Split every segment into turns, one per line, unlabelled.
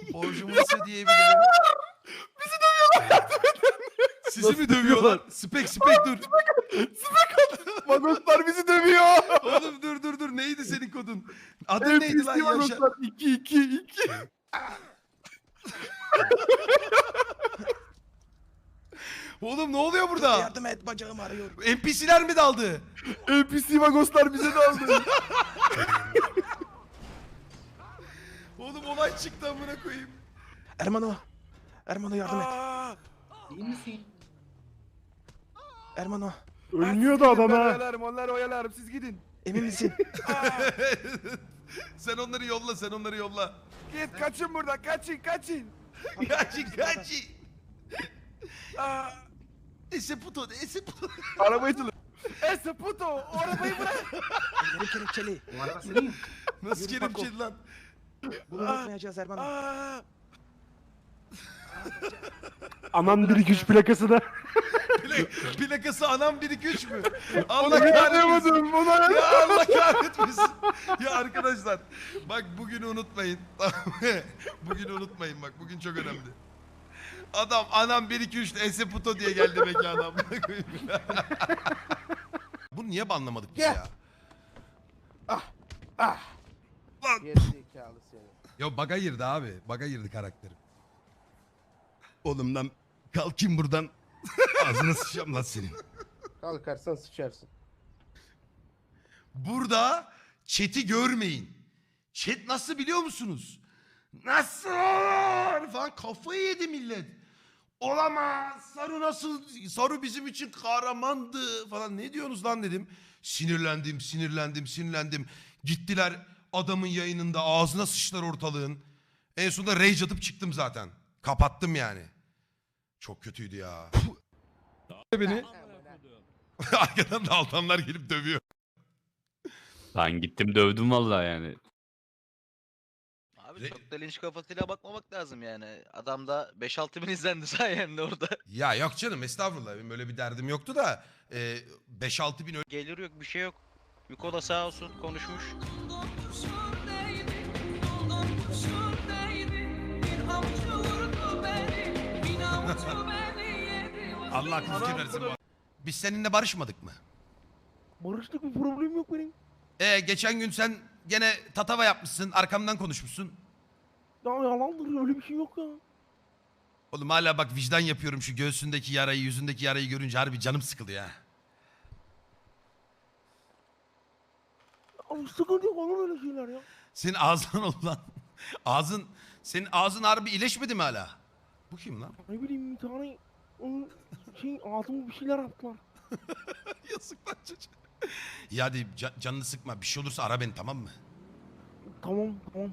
Borcumuzu ödeyebilirim.
Bizi dövüyorlar.
Sizi mi dövüyorlar? Spek dur.
Magoslar bizi dövüyor.
Oğlum dur. Neydi senin kodun? Adın neydi lan Yaşar?
Magoslar 2.
Oğlum ne oluyor burada?
Yardım et, bacağım ağrıyor.
NPC'ler mi daldı?
NPC Magoslar bize daldı.
Oğlum olay çıktı amına koyayım.
Ermano yardım et.
İyi misin?
Ermano,
Ölmüyordu adam ha. Onları oyalarım siz gidin.
emin misin?
Sen onları yolla.
Git kaçın buradan kaçın.
Kaçın. Ese puto.
Arabayı çalın. Ese puto o arabayı bırak.
Ellerim kelepçeli.
Bu araba senin.
Nasıl
Yürü Paco.
kelepçeli lan?
Bunu unutmayacağız Ermano.
Aman 1-2-3 plakası da.
Plakası anam 1-2-3 mü? Allah
Ona
kahretmesin.
yakalayamadım.
Ya Allah kahretmesin. Ya arkadaşlar bak bugünü unutmayın. Bugünü unutmayın bak bugün çok önemli. Adam anam 1-2-3 Ese puto diye geldi mekana. Bunu niye banlamadık biz ya? Lan.
Gerizekalı seni.
Yo baga girdi abi. Baga girdi karakterim. Oğlum lan kalkayım buradan. Ağzına sıçacağım lan senin.
Kalkarsan sıçarsın.
Burada chat'i görmeyin. Chat nasıl biliyor musunuz? Nasıl olur falan kafayı yedi millet. Olamaz. Saru nasıl? Saru bizim için kahramandı falan. Ne diyorsunuz lan dedim. Sinirlendim. Gittiler adamın yayınında ağzına sıçtılar ortalığın. En sonunda rage atıp çıktım zaten. Kapattım yani. Çok kötüydü ya.
Beni.
Arkadan da altanlar gelip dövüyor.
Ben gittim dövdüm vallahi yani.
Abi çok da linç kafasıyla bakmamak lazım yani. Adamda 5-6 bin izlendi sayende orada.
Ya yok canım estağfurullah. Benim öyle bir derdim yoktu da 5-6 bin
Gelir yok bir şey yok. Yuko da sağ olsun konuşmuş.
Allah akıl fikir versin bu. Biz seninle barışmadık mı?
Barıştık, bir problem yok benim.
Geçen gün sen gene tatava yapmışsın, arkamdan konuşmuşsun.
Ya yalandır, öyle bir şey yok ya.
Oğlum hala bak vicdan yapıyorum şu göğsündeki yarayı, yüzündeki yarayı görünce harbi canım sıkılıyor ha.
Abi sıkıntı yok, olur öyle şeyler ya.
Senin ağzın oldu lan. Senin ağzın harbi iyileşmedi mi hala? Bu kim lan?
Ne bileyim, bir tane ağzıma bir şeyler attılar.
Yazık lan çocuğa. Ya hadi canını sıkma, bir şey olursa ara beni tamam mı?
Tamam.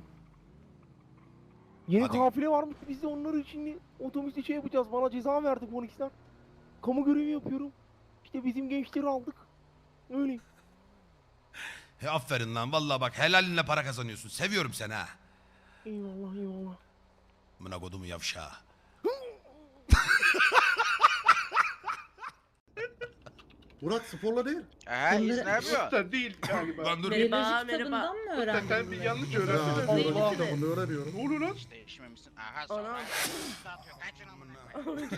Yeni
Hadi.
kafile varmış, biz de onları şimdi otobüste şey yapacağız. Bana ceza verdi polisler. Kamu görevi yapıyorum. İşte bizim gençleri aldık. Öyle.
Aferin lan vallahi bak helalinle para kazanıyorsun. Seviyorum seni ha.
Eyvallah.
Amına kodumu yavşağı.
Murat sporla değil.
İyiyiz ne yapıyor?
Sen değil galiba.
Lan dur.
Biyoloji kitabından mı öğrendin
Sen bir
bunları?
yanlış
Ya,
öğrendin.
Değil
biyoloji
misiniz?
kitabını öğreniyorum.
Ne oluyor lan?
Hiç değişmemişsin. Aha sonra. Kaçın amına.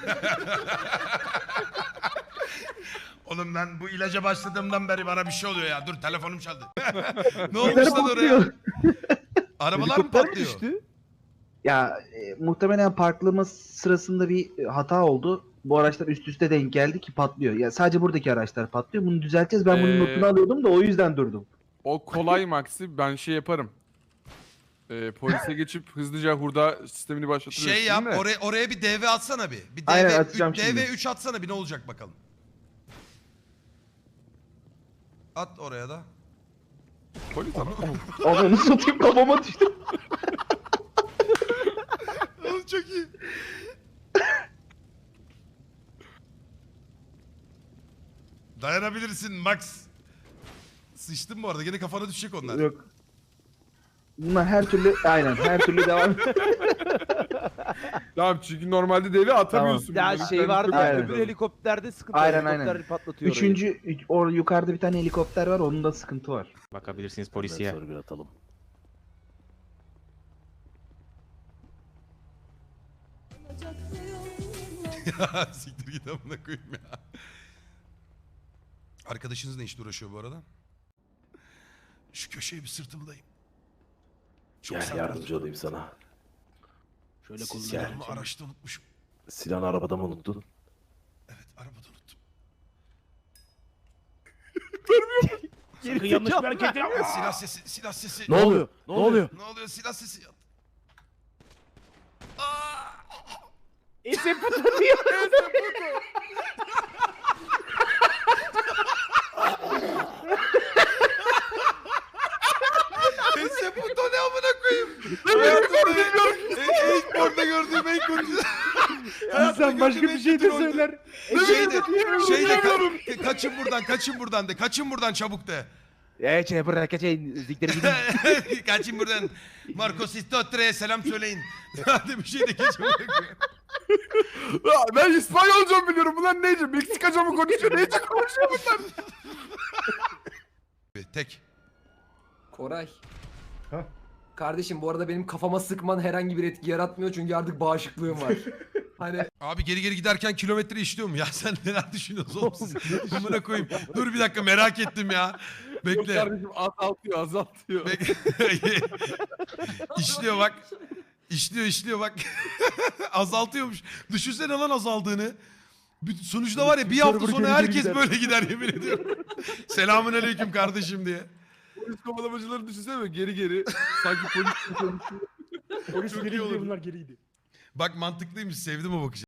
Oğlum ben bu ilaca başladığımdan beri bana bir şey oluyor ya. Dur telefonum çaldı. Ne olmuş lan oraya? Arabalar mı patlıyor?
Ya muhtemelen parklama sırasında bir hata oldu. Bu araçlar üst üste denk geldi ki patlıyor. Ya sadece buradaki araçlar patlıyor. Bunu düzelteceğiz. Ben bunun notunu alıyordum da o yüzden durdum.
O kolay Maxi, ben şey yaparım. Polise geçip hızlıca hurda sistemini başlatırız.
Şey yap oraya bir DV atsana bir. Bir
Aynen, atacağım şimdi.
DV3 atsana bir ne olacak bakalım. At oraya da.
Polis ama.
Onu satayım, kafama düştü.
Oğlum çok iyi. Dayanabilirsin Max. Sıçtın bu arada gene kafana düşecek onlar.
Yok. Bunlar her türlü her türlü devam.
Tamam, çünkü normalde devi atamıyorsun.
Ya
bunları.
şey
Sen
vardı
yukarı
ya,
Aynen.
öbür helikopterde sıkıntı.
Aynen,
Helikopter
aynen.
patlatıyor orayı.
O yukarıda bir tane helikopter var. Onun da sıkıntı var.
Bakabilirsiniz polisiye.
Ya siktir git amına koyayım ya. Arkadaşınız ne işle uğraşıyor bu arada? Şu köşeye bir sırtımdayım. Çok
Gel yardımcı olayım sana.
Şöyle
Silahımı araçta unutmuşum.
Silahını arabada mı unuttun?
Evet arabada unuttum.
Sakın yanlış bir hareket etme.
Silah sesi, silah sesi.
Ne oluyor? Ne oluyor?
Ne oluyor silah sesi?
Ese puto diyor.
Ese puto ne amına koyayım? Hayatımda ilk porno gördüğüm en kötü.
İnsan başka bir şey de söyler.
Kaçın buradan, kaçın buradan de. Kaçın buradan çabuk de.
Bırak zikleri gidin.
Kaçın buradan. Marco Sistotre'ye selam söyleyin. Hadi bir şey de geçin.
Ya ben İspanyolca mı biliyorum? Bunlar neyce? Meksikaca mı konuşuyor? Neyce konuşuyor bunlar?
Tek.
Koray.
Ha?
Kardeşim bu arada benim kafama sıkman herhangi bir etki yaratmıyor çünkü artık bağışıklığım var. Hani
Abi geri geri giderken kilometre işliyor mu? Ya sen neler düşünüyorsun oğlum siz? Amına koyayım. Dur bir dakika merak ettim ya.
Yok
Bekle.
kardeşim azaltıyor azaltıyor.
İşliyor bak. İşliyor bak. Azaltıyormuş. Düşünsene lan azaldığını. Sonuçta var ya bir hafta sonra herkes böyle gider yemin ediyorum. Selamun aleyküm kardeşim diye.
Polis kovalamacıları düşünsene mi? Geri geri. Sanki polis konuşuyor.
Polis
Çok
geri
iyi olur.
gidiyor bunlar geriydi.
Bak mantıklıymış sevdim o bakışı.